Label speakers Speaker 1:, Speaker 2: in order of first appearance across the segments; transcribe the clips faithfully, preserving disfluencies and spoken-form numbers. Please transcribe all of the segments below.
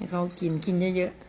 Speaker 1: เขากินกินเยอะ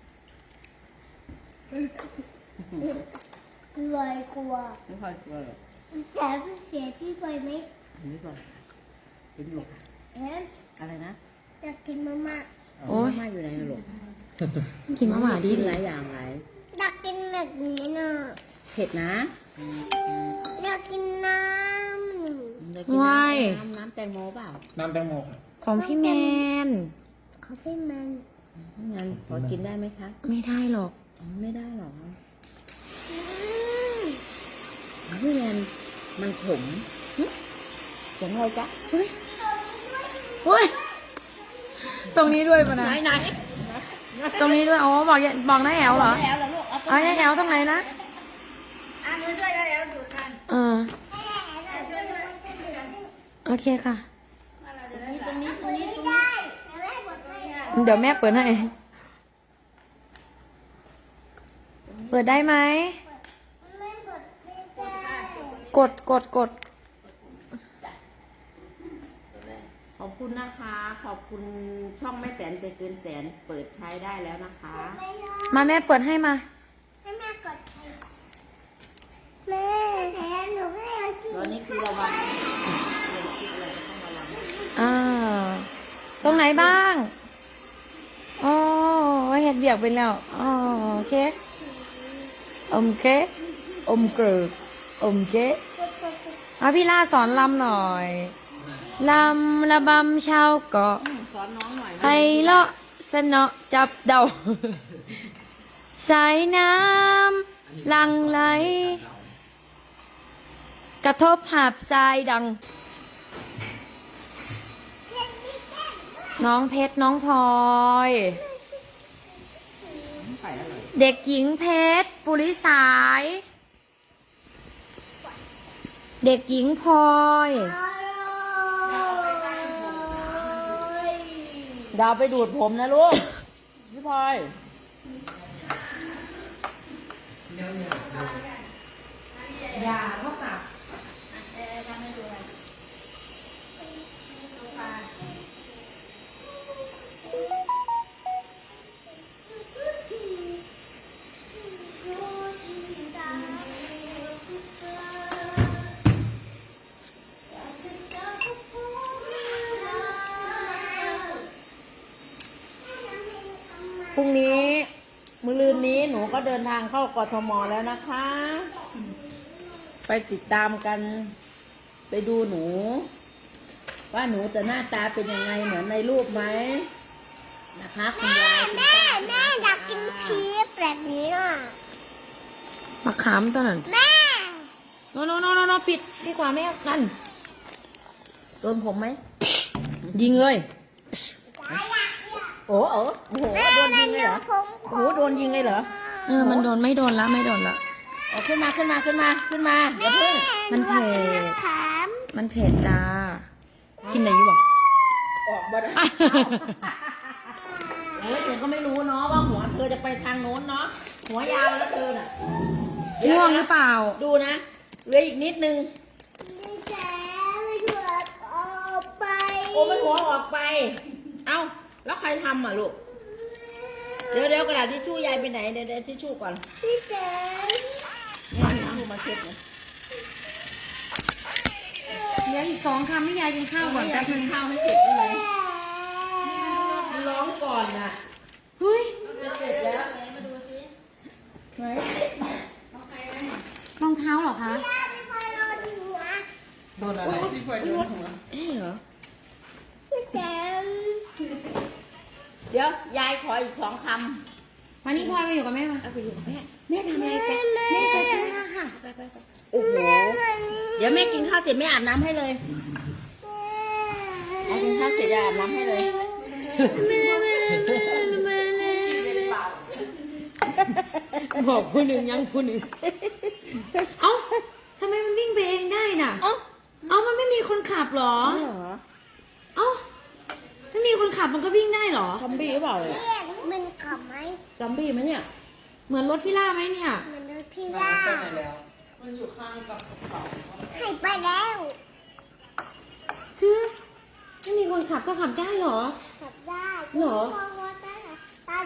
Speaker 2: กลัวกลัว
Speaker 3: ไม่ค่อยกลัวหรอก
Speaker 2: แต่เสียพี่กลัวไหม
Speaker 3: อันนี้ก่อนกินหลก
Speaker 2: เอ๊ะ
Speaker 3: อะไรนะ
Speaker 2: อยากกินมาม่า
Speaker 1: โอ้ย
Speaker 3: มาอยู่ไหนหลก
Speaker 1: กินมะหม่าดี
Speaker 3: กิน
Speaker 1: ดี
Speaker 3: หลายอย่างหลาย
Speaker 2: อยากกินแบบนี้น่ะ
Speaker 3: เผ็ดนะ
Speaker 2: อยากกินน้
Speaker 3: จะกินน้ำน้ำน้ำแตงโมเปล่า
Speaker 4: น้ำแตงโมครับ
Speaker 1: ของพี่แมน
Speaker 2: ำเขาพี่มัน
Speaker 3: งั้นพอกินได้ไหมคะ
Speaker 1: ไม่ได้หรอก
Speaker 3: อ๋อไม่ได้หรอก
Speaker 2: อืม
Speaker 3: พี่แมนมันขมหึเสียงอะไรจ๊ะ
Speaker 1: เฮ้ยเฮ้ยตรงนี้ด้วยปะนะ
Speaker 3: ไหนไหน
Speaker 1: ตรงนี้ด้วยอ๋อบอกอย่าบอกน้าแอลเหรอ
Speaker 3: แล้วแล้วลูกเอา
Speaker 1: เอาน้าแอลตรงไหนนะ
Speaker 3: อ่ะมือช่วยได้แล้วดูกัน
Speaker 1: เออโอเคค่ะ
Speaker 3: ตรงนี้ตรงนี้ตรงนี้
Speaker 2: ได้แต่แม่บอกให้
Speaker 1: เดี๋ยวแม่เปิดให้เปิดได้ไหม
Speaker 2: แม่บอกไม่ได้
Speaker 1: กดกดกด
Speaker 3: ขอบคุณนะคะ ขอบคุณช่องแม่แตนใจเกินแสนเปิดใช้ได้แล้วนะคะ
Speaker 2: ไม่ได้
Speaker 1: มาแม่เปิดให้มา
Speaker 2: ให้แม่กดให้แม่แทนหนูไม่เอากิน
Speaker 3: ตอนนี้คือระวังเรื่องคิดอะไรก็ต้องระวัง
Speaker 1: อ่า ตรงไหนบ้างอ๋อเห็ดเบียกไปแล้วอ๋อโอเคอมเค้กอมเกลืออมเค้กเอาพี่ล่าสอนลำหน่อยลำระบำชาวเกาะ
Speaker 3: สอนน้องหน่อย
Speaker 1: ไพเราะสนอจับเดาสายน้ำหลังไหล กระทบหาบทรายดัง น้องเพชรน้องพลอย
Speaker 3: ไปแล้วเลย
Speaker 1: เด็กหญิงเพชรปุริสาย เด็กหญิงพลอย
Speaker 3: ดาวไปดูดผมนะลูก พี่พลอย
Speaker 1: อย่าเข้ากับ
Speaker 3: พรุ่งนี้มื้อลืนนี้หนูก็เดินทางเข้ากทมแล้วนะคะ ไปติดตามกัน ไปดูหนู ว่าหนูจะหน้าตาเป็นยังไงเหมือนในรูปไหมนะคะคุณยายคุณ
Speaker 2: แม่
Speaker 3: ป้า
Speaker 2: แม่อยากกินชีสแบบนี้อ่ะ
Speaker 1: มะขามตัวนั้น
Speaker 2: แม่
Speaker 1: โนโนโนโนโนปิดดีกว่าแม่นั่น
Speaker 3: โดนผมไหม
Speaker 1: ยิงเลย
Speaker 3: โอ้โอ้โอ้โหโดนยิงเลยเหรอ
Speaker 2: ผม
Speaker 3: โอ้โหโดนยิงเลยเหรอ
Speaker 1: เออ มันโดนไม่โดนละไม่โดนละ
Speaker 3: เอาขึ้นมาขึ้นมาขึ้นมาขึ้นมาอย่าเพิ่ง
Speaker 1: มันเผ็ด
Speaker 2: ขาม
Speaker 1: มันเผ็ดจ้า กินอะไรอยู่บ่
Speaker 3: ออกมาได้เออเธอก็ไม่รู้เนาะว่าหัวเธอจะไปทางโน้นเนาะหัวยาวแล้วเธอน่ะ
Speaker 1: ง่วงหรือเปล่า
Speaker 3: ดูนะเหลืออีกนิดนึง
Speaker 2: นี่แจ๊ไม่ถูกออกไป
Speaker 3: โอ้มันหัวออกไป เอ้าแล้วใครทำอ่ะลูกเดี๋ยวเดี๋ยวกระดาษทิชชู่ยายไปไหนเดี๋ยวเดี๋ยวทิชชู่ก่อน
Speaker 2: พี่แจ๊
Speaker 3: นี่เอาทิชชู่มาเช็ดเลย
Speaker 1: เหลืออีกสองคำให้ยายกินข้าวก่อน
Speaker 3: ให้
Speaker 1: แป๊
Speaker 3: ยาย
Speaker 1: บ
Speaker 3: กิ
Speaker 1: นึ
Speaker 3: น
Speaker 1: ง
Speaker 3: ข้าวให้เสร็จได้เลยมันร้องก่อนน่ะ
Speaker 1: เฮ้ย
Speaker 3: จะเสร็จแล้วไหน
Speaker 1: รองเท้าเหรอคะ
Speaker 2: พี่พลอยรอดูนะ
Speaker 4: โดนอะไรที่พลอยโดนหัว
Speaker 3: เอ๊ะเหรอ
Speaker 2: พี่แจ๊
Speaker 3: เดี๋ยวยายขออีกสองค
Speaker 1: มานี่พลอยมาอยู่กับแม่มา
Speaker 3: ำเอาไปอยู่กับแม่แม่ทำอะไรกัน
Speaker 2: แม่
Speaker 1: แม่เช็ดหน้าค่ะ
Speaker 3: ไปไปไปโอ้โหเดี๋ยวแม่กินข้าวเสร็จแม่อาบน้ำให้เลยแม่กินข้าวเสร็จจะอาบน้ำให้เลย
Speaker 1: แม่แม่แม่แม่บอกผู้หนึ่งยังผู้หนึ่งเอ้าทำไมมันวิ่งไปเองได้น่ะ
Speaker 3: เอ้า
Speaker 1: เอ้ามันไม่มีคนขับเหรอ
Speaker 3: เหรอ
Speaker 1: เอ้าไม่มีคนขับมันก็วิ่งได้เหรอ
Speaker 3: ซอมบี้หรือเปล่าเนี่ย
Speaker 2: เรียกมันขับไหม
Speaker 3: ซอมบี้ไหมเนี่ย
Speaker 1: เหมือนรถพี่ล่าไหมเนี่ย
Speaker 2: มันดูที่ล่า
Speaker 4: ไปไหนแล้ว มันอยู่ข้างกับกระเป๋า
Speaker 2: หายไปแล้ว
Speaker 1: ฮึไม่มีคนขับก็ขับได้เหรอ
Speaker 2: ขับได้
Speaker 1: เหรอ
Speaker 2: พอว่าได้เหรอ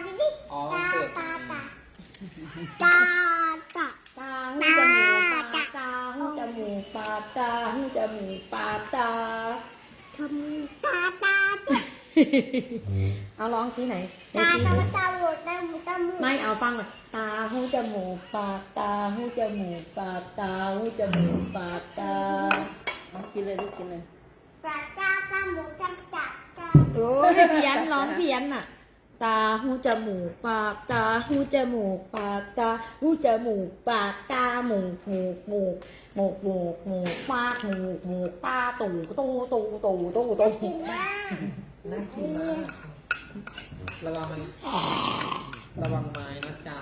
Speaker 2: ดิดิ
Speaker 4: อ๋อ
Speaker 2: ตา
Speaker 4: เปิด
Speaker 2: ตาตาตาตา
Speaker 3: ตาหูจมูกปากตาหูจมูกปากตาหูจมูกปากตา
Speaker 2: ทำตาตา
Speaker 1: เอาร้องชี้ไหนไหน
Speaker 2: ตา
Speaker 1: ชี้
Speaker 2: ตา
Speaker 1: ดิ
Speaker 2: ตาหมดตาหมดตาหมด
Speaker 3: ไม่เอาฟังก่อนตาหูจมูกปากตาหูจมูกปากตาหูจมูกปากตาเอากินเลยลูกกินเลย
Speaker 2: ตาตาตาหมดตาตาตา
Speaker 1: โอ้ยเพี้ยนร้องเพี้ยนน่ะ
Speaker 3: ตาหูจมูกปากตาหูจมูกปากตาหูจมูกปากตาหมูกหมูกหมูกหมูกหมูกหมูกปากหมูกหมูกตาตู่ตู่ตู่ตู่ตู่ตู่
Speaker 4: น่ากินมากระวังมันระวังไม้นะจ๊ะ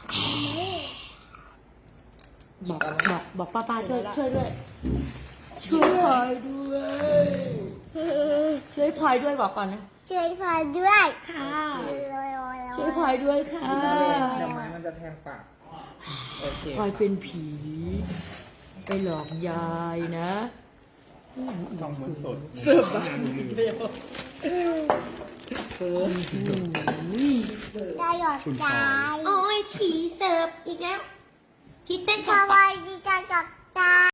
Speaker 3: บอกบอกบอกป้าป้าช่วยช่วยด้วย ช่วยพลอยด้วย ช่วยพลอยด้วยบอกก่อนนะ
Speaker 2: ช่วยพาด้วย
Speaker 3: ค่ะ
Speaker 2: ลอยลอย
Speaker 3: ช่วยพลอยด้วยค่ะ
Speaker 4: เดี๋ยวไม้มันจะแทงปาก โอเค
Speaker 3: พลอยเป็นผี ไปหลอกยายนะ
Speaker 5: ต้องมันสด
Speaker 4: เสิร์ฟมาเร็ว
Speaker 2: ได้หยอดใจ
Speaker 3: โอ้ยฉี่เสิร์ฟอีกแล้ว ที่เต้น
Speaker 2: ส
Speaker 3: สับ
Speaker 2: วัสดีจ้าหยอดใจ